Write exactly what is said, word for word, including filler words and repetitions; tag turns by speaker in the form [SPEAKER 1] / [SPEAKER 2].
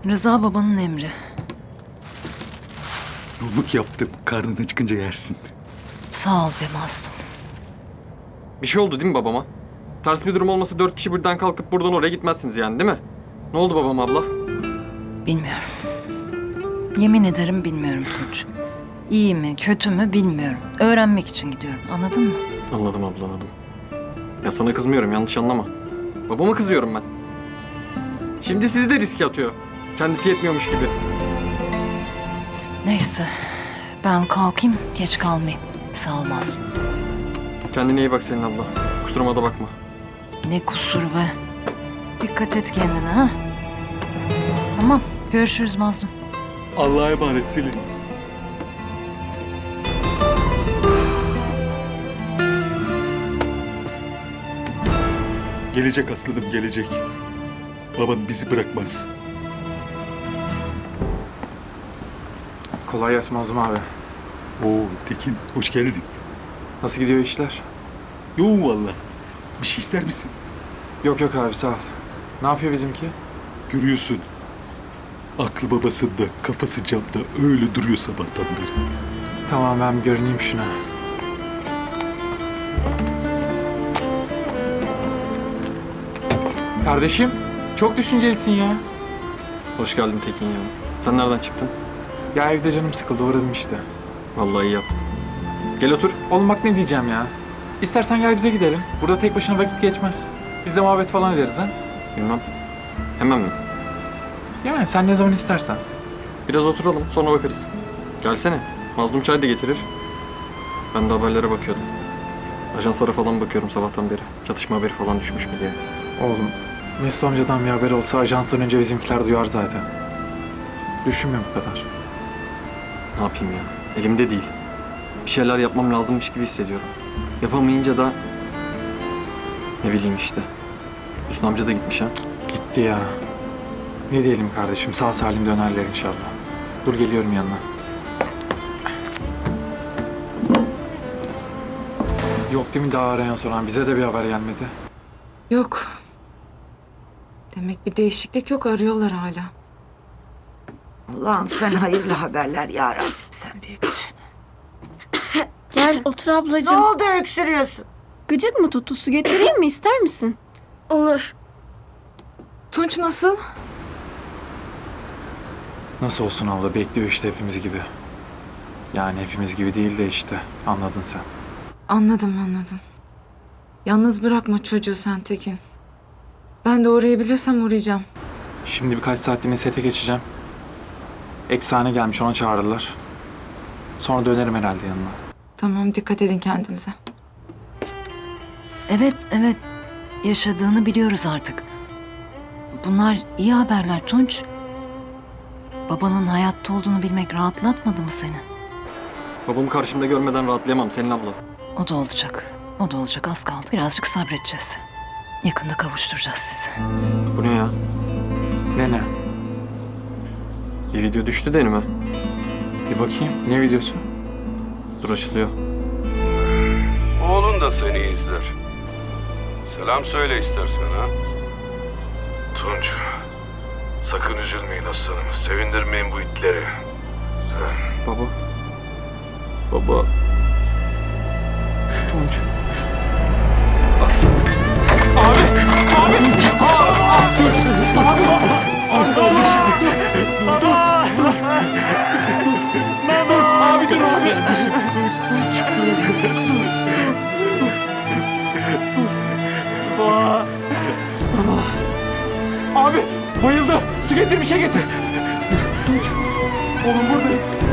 [SPEAKER 1] Rıza babanın emri.
[SPEAKER 2] Yolluk yaptım. Karnına çıkınca yersin.
[SPEAKER 1] Sağ ol be mazlum.
[SPEAKER 3] Bir şey oldu değil mi babama? Ters bir durum olmasa dört kişi birden kalkıp buradan oraya gitmezsiniz yani değil mi? Ne oldu babam abla?
[SPEAKER 1] Bilmiyorum. Yemin ederim bilmiyorum Tunç. İyi mi, kötü mü bilmiyorum. Öğrenmek için gidiyorum. Anladın mı?
[SPEAKER 3] Anladım abla anladım. Ya sana kızmıyorum yanlış anlama. Babama kızıyorum ben. Şimdi sizi de riske atıyor. Kendisi yetmiyormuş gibi.
[SPEAKER 1] Neyse. Ben kalkayım, geç kalmayayım. Sağ ol mazlum.
[SPEAKER 3] Kendine iyi bak Selin abla. Kusuruma da bakma.
[SPEAKER 1] Ne kusur be. Dikkat et kendine ha. Tamam, görüşürüz mazlum.
[SPEAKER 2] Allah'a emanet Selin. Gelecek aslanım gelecek. Baban bizi bırakmaz.
[SPEAKER 4] Kolay gelsin Mazlum abi.
[SPEAKER 2] Oo Tekin hoş geldin.
[SPEAKER 4] Nasıl gidiyor işler?
[SPEAKER 2] Yoğun valla. Bir şey ister misin?
[SPEAKER 4] Yok yok abi sağ ol. Ne yapıyor bizimki?
[SPEAKER 2] Görüyorsun. Aklı babasında, kafası camda öyle duruyor sabahtan beri.
[SPEAKER 4] Tamam ben bir görüneyim şuna. Kardeşim çok düşüncelisin ya.
[SPEAKER 3] Hoş geldin Tekin ya. Sen nereden çıktın?
[SPEAKER 4] Ya evde canım sıkıldı uğradım işte.
[SPEAKER 3] Vallahi iyi yaptın. Gel otur.
[SPEAKER 4] Oğlum bak ne diyeceğim ya. İstersen gel bize gidelim. Burada tek başına vakit geçmez. Biz de muhabbet falan ederiz ha.
[SPEAKER 3] Bilmem. Hemen mi?
[SPEAKER 4] Yani sen ne zaman istersen.
[SPEAKER 3] Biraz oturalım sonra bakarız. Gelsene. Mazlum çay da getirir. Ben de haberlere bakıyordum. Ajanslara falan bakıyorum sabahtan beri. Çatışma haberi falan düşmüş mü diye.
[SPEAKER 4] Oğlum Mesut amcadan bir haber olsa ajanstan önce bizimkiler duyar zaten. Düşünme bu kadar.
[SPEAKER 3] Ne yapayım ya? Elimde değil. Bir şeyler yapmam lazımmış gibi hissediyorum. Yapamayınca da... Ne bileyim işte. Hüsnü amca da gitmiş ha.
[SPEAKER 4] Gitti ya. Ne diyelim kardeşim sağ salim dönerler inşallah. Dur geliyorum yanına. Yok değil mi daha arayan soran? Bize de bir haber gelmedi.
[SPEAKER 5] Yok. Demek bir değişiklik yok, arıyorlar hala.
[SPEAKER 6] Allah'ım sen hayırlı haberler ya Rabbim, sen büyüksün.
[SPEAKER 7] Gel otur
[SPEAKER 6] Ne
[SPEAKER 7] ablacığım.
[SPEAKER 6] oldu öksürüyorsun?
[SPEAKER 7] Gıcık mı tuttu? Su getireyim mi? İster misin? Olur.
[SPEAKER 5] Tunç nasıl?
[SPEAKER 4] Nasıl olsun abla bekliyor işte hepimiz gibi. Yani hepimiz gibi değil de işte anladın sen.
[SPEAKER 5] Anladım anladım. Yalnız bırakma çocuğu sen Tekin. Ben de uğrayabilirsem uğrayacağım.
[SPEAKER 4] Şimdi birkaç saatliğine sete geçeceğim. Eksane gelmiş ona çağırırlar. Sonra dönerim herhalde yanına.
[SPEAKER 5] Tamam, dikkat edin kendinize.
[SPEAKER 1] Evet, evet. Yaşadığını biliyoruz artık. Bunlar iyi haberler Tunç. Babanın hayatta olduğunu bilmek rahatlatmadı mı seni?
[SPEAKER 3] Babamı karşımda görmeden rahatlayamam Selin abla.
[SPEAKER 1] O da olacak. O da olacak, az kaldı. Birazcık sabredeceğiz. Yakında kavuşturacağız sizi.
[SPEAKER 3] Bu ne ya?
[SPEAKER 4] Ne ne?
[SPEAKER 3] Bir video düştü de önüme.
[SPEAKER 4] Bir bakayım. Ne videosu?
[SPEAKER 3] Dur açılıyor.
[SPEAKER 8] Oğlun da seni izler. Selam söyle istersen ha. Tunç, sakın üzülmeyin aslanım. Sevindirmeyin bu itleri.
[SPEAKER 3] Baba. Baba.
[SPEAKER 4] Tunç.
[SPEAKER 9] Abi bayıldı. Su getir bir şey getir. Tunç. Oğlum buradayım.